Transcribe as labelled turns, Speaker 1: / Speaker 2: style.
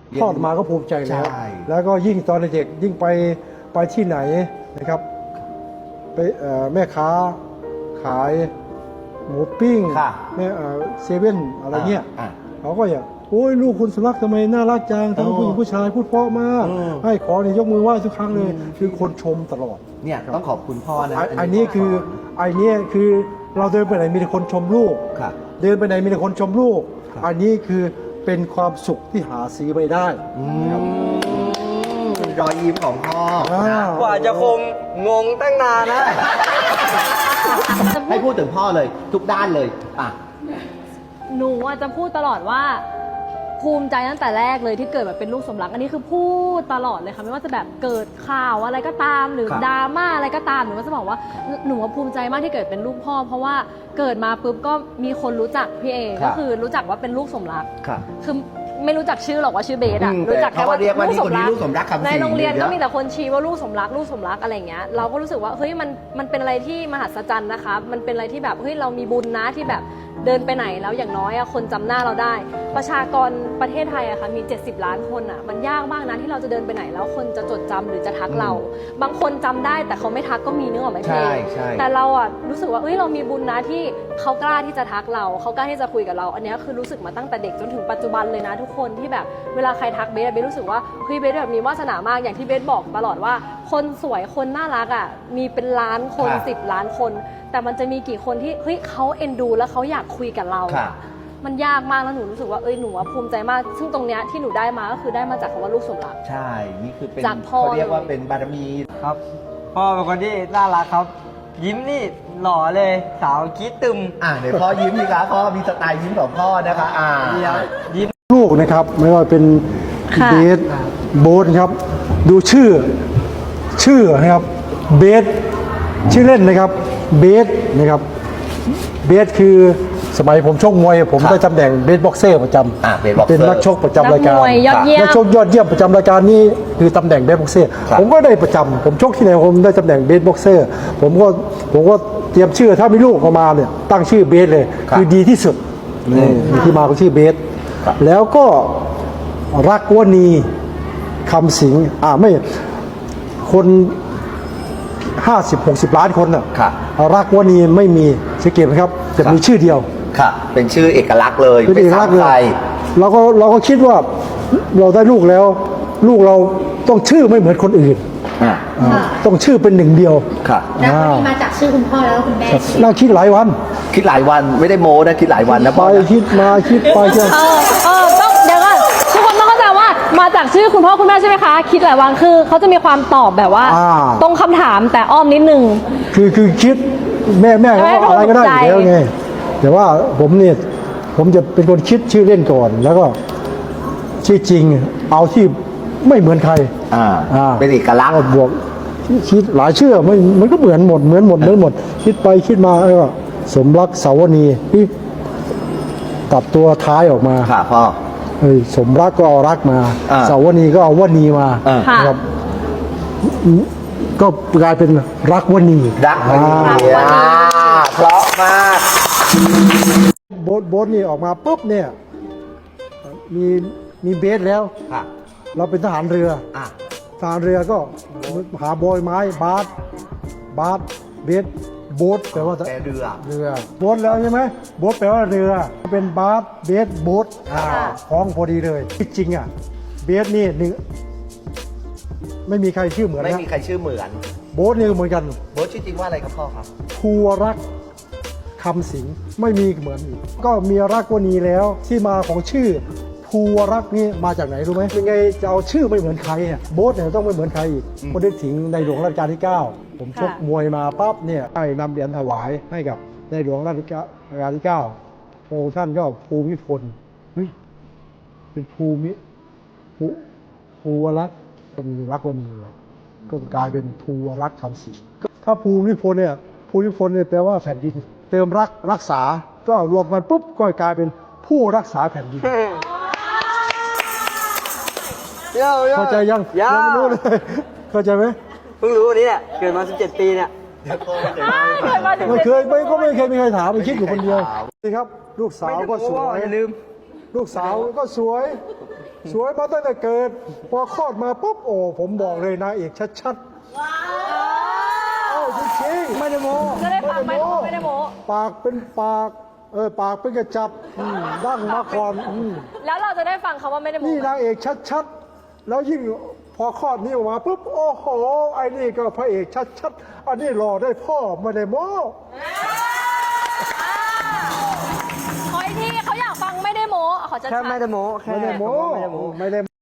Speaker 1: คลอดมาก็ภูมิใจแล้วแล้วก็ยิ่งตอนเด็กยิ่งไปที่ไหนนะครับไปแม่ค้าขายหมูปิ้งแม่เซเว่นอะไรเงี้ยเขาก็อยากโอ้ยลูกคุณสุรักษ์ทำไมน่ารักจังทั้งผู้หญิงผู้ชายพูดเพราะมากให้ขอเนี่ยยกมือไหว้ทุกครั้งเลยคือคนชมตลอด
Speaker 2: เนี่ยต้องขอบคุณพ่อนะ
Speaker 1: อันนี้คือเราเดินไปไหนมีแต่คนชมลูกเดินไปไหนมีแต่คนชมลูกอันนี้คือเป็นความสุขที่หาซื้อไม่ได้
Speaker 2: รอยยิ้มของพ่อก
Speaker 3: ว่าจะคงงงตั้งนานนะ
Speaker 2: ให้พูดถึงพ่อเลยทุกด้านเลย
Speaker 4: หนูจะพูดตลอดว่าภูมิใจตั้งแต่แรกเลยที่เกิดแบบเป็นลูกสมรักอันนี้คือพูดตลอดเลยค่ะไม่ว่าจะแบบเกิดข่าวอะไรก็ตามหรือดราม่าอะไรก็ตามหนูก็จะบอกว่าหนูภูมิใจมากที่เกิดเป็นลูกพ่อเพราะว่าเกิดมาปุ๊บก็มีคนรู้จักพี่เอก็คือรู้จักว่าเป็นลูกสมรักคือไม่รู้จักชื่อหรอกว่าชื่อเบสอะรู้จักแค่ว่าลูกสมรักในโรงเรียนก็มีแต่คนชี้ว่าลูกสมรักอะไรเงี้ยเราก็รู้สึกว่าเฮ้ยมันเป็นอะไรที่มหัศจรรย์นะคะมันเป็นอะไรที่แบบเฮ้ยเรามีบุญนะที่แบบเดินไปไหนแล้วอย่างน้อยคนจำหน้าเราได้ประชากรประเทศไทยอะค่ะมี70 ล้านคนอะมันยากมากนะที่เราจะเดินไปไหนแล้วคนจะจดจำหรือจะทักเราบางคนจำได้แต่เขาไม่ทักก็มีนึกออกไหมเพลงแต่เราอะรู้สึกว่าเอ้ยเรามีบุญนะที่เขากล้าที่จะทักเราเขากล้าที่จะคุยกับเราอันนี้คือรู้สึกมาตั้งแต่เด็กจนถึงปัจจุบันเลยนะทุกคนที่แบบเวลาใครทักเบสรู้สึกว่าเฮ้ยเบสแบบมีวาสนามากอย่างที่เบสบอกตลอดว่าคนสวยคนน่ารักอะมีเป็นล้านคน10 ล้านคนแต่มันจะมีกี่คนที่เฮ้ยเขาเอ็นดูแล้วเขาอยากคุยกับเรามันยากมากแล้วหนูรู้สึกว่าหนูภูมิใจมากซึ่งตรงเนี้ยที่หนูได้มาก็คือได้มาจากคำว่าลูกสมรัก
Speaker 2: ใช่นี่คือเป็นเขาเรียกว่าเป็นบารมี
Speaker 3: ครับพ่อเป็นคนที่น่ารักครับยิ้มนี่หล่อเลยสาวคิดตึม
Speaker 2: เดี๋ยวพ่อยิ้มดีครับพ่อมีสไตล์ยิ้มของพ่อนะคะ
Speaker 1: ยิ้มลูกนะครับไม่ว่าเป็นเบสโบ๊ทครับดูชื่อนะครับเบสชื่อเล่นนะครับเบสนะครับเบสคือสมัยผมชกมวยผมได้ตำแหน่งเบสบ็อกเซอร์ประจำเป็นนักชกประจำรายการนักชกยอดเยี่ยมประจำรายการนี้คือตำแหน่งเบสบ็อกเซอร์ผมก็ได้ประจำผมชกที่ไหนผมได้ตำแหน่งเบสบ็อกเซอร์ผมก็เตรียมชื่อถ้ามีลูกออกมาเนี่ยตั้งชื่อเบสเลยคือดีที่สุดนี่ที่มาของชื่อเบสแล้วก็รักวณีคำสิงไม่คน50-60 ล้านคนน่ะรักวณีไม่มีสังเกตไหมครับจะมีชื่อเดียว
Speaker 2: เป็นชื่อเอกลักษณ์เลย
Speaker 1: เป็นเอกลักษณ์เลยเราก็คิดว่าเราได้ลูกแล้วลูกเราต้องชื่อไม่เหมือนคนอื่นต้องชื่อเป็นหนึ่งเดียว
Speaker 5: แล้วคนนี้มาจากชื่อคุณพ่อแล้วคุณแม่
Speaker 1: น่าคิดหลายวัน
Speaker 2: ไม่ได้โม้นะคิดหลายวันนะ
Speaker 1: ไปคิดมาคิดไป
Speaker 4: ต้องเดี๋ยวก่อนทุกคนต้องเข้าใจว่ามาจากชื่อคุณพ่อคุณแม่ใช่ไหมคะคิดหลายวันคือเขาจะมีความตอบแบบว่าตรงคำถามแต่อ้อมนิดนึง
Speaker 1: คือคิดแม่ก็อะไรก็ได้อยู่แล้วไงแต่ว่าผมจะเป็นคนคิดชื่อเล่นก่อนแล้วก็ชื่อจริงเอาที่ไม่เหมือนใคร
Speaker 2: เป็นเอกลักษณ์
Speaker 1: บวกคิดหลายชื่อมันก็เหมือนหมดคิดไปคิดมาแล้วก็สมรักสาวนีที่ตัดตัวท้ายออกมา
Speaker 2: พ่อ
Speaker 1: สมรักก็เอารักมาสาวนีก็เอาวณีมาครับก็กลายเป็นรักวณี
Speaker 2: เพราะมาก
Speaker 1: โบ๊ทนี่ออกมาปุ๊บเนี่ยมีเบสแล้วเราเป็นทหารเรือก็หาบอยไม้บาสเบสโบ๊ทแปลว่า
Speaker 2: เรือ
Speaker 1: โบ๊ทแล้วใช่ไหมโบ๊ทแปลว่าเรือเป็นบาสเบสโบ๊ทคล้องพอดีเลยจริงเบสนี่หนึ่งไม่มีใครชื่อเหมือน
Speaker 2: ไม่มีใครชื่อเหมือน
Speaker 1: โบ๊ทนี่เหมือนกัน
Speaker 2: โบ๊ทชื่อจริงว่าอะไรครับพ่อครับ
Speaker 1: ภูวรักษ์คำสิงไม่มีเหมือนอีกก็มีรักวณีแล้วที่มาของชื่อภูวรักษ์นี่มาจากไหนรู้ไหมยังไงจะเอาชื่อไม่เหมือนใครเนี่ยโบ๊ทเนี่ยต้องไม่เหมือนใครอีกคนได้ถึงในหลวงรัชกาลที่9ผมชกมวยมาปั๊บเนี่ยได้นำเหรียญถวายให้กับในหลวงรัชกาลที่9พระองค์ท่านก็ภูมิพลเป็นภูวรักษ์เป็นรักวณีก็กลายเป็นภูวรักษ์คำสิงถ้าภูมิพลเนี่ยแปลว่าแผ่นดินเติมรักษาก็รวมกันปุ๊บก็กลายเป็นผู้รักษาแผ่นดินเข้าใจยังไม่รู้เลยเข้าใจไหม
Speaker 3: เพิ่งรู้วันนี้แหละเกิดมา17 ปีเนี่ย
Speaker 1: ไม่เคยมีใครถามไปคิดอยู่คนเดียวนี่ครับลูกสาวก็สวยลูกสาวก็สวยสวยมาตั้งแต่เกิด พอคลอดมาปุ๊บโอ้ผมบอกเลยนางเอกชัดๆเอ้าจริงๆไม่ได้โม้
Speaker 4: จะได้ฟังไหมไม่ได้โม้
Speaker 1: ปากเป็นปากปากเป็นกระจับดั้งมาก่อน
Speaker 4: แล้วเราจะได้ฟังคำว่าไม่ได้โม้
Speaker 1: นี่
Speaker 4: ไหม
Speaker 1: นางเอกชัดๆแล้วยิ่งพอคลอดนี้ออกมาปุ๊บโอ้โหไอ้นี่ก็พระเอกชัดๆอันนี้หล่อได้พ่อไม่ได้โม้
Speaker 4: ขออีกทีเขาอยากฟังไม่ได้โม้ขอจะ
Speaker 3: แค่ไม่ได้โม้แค่
Speaker 1: ไม่ได้โม้
Speaker 3: คำว่าไม่ได้โม้
Speaker 1: ไม่ได้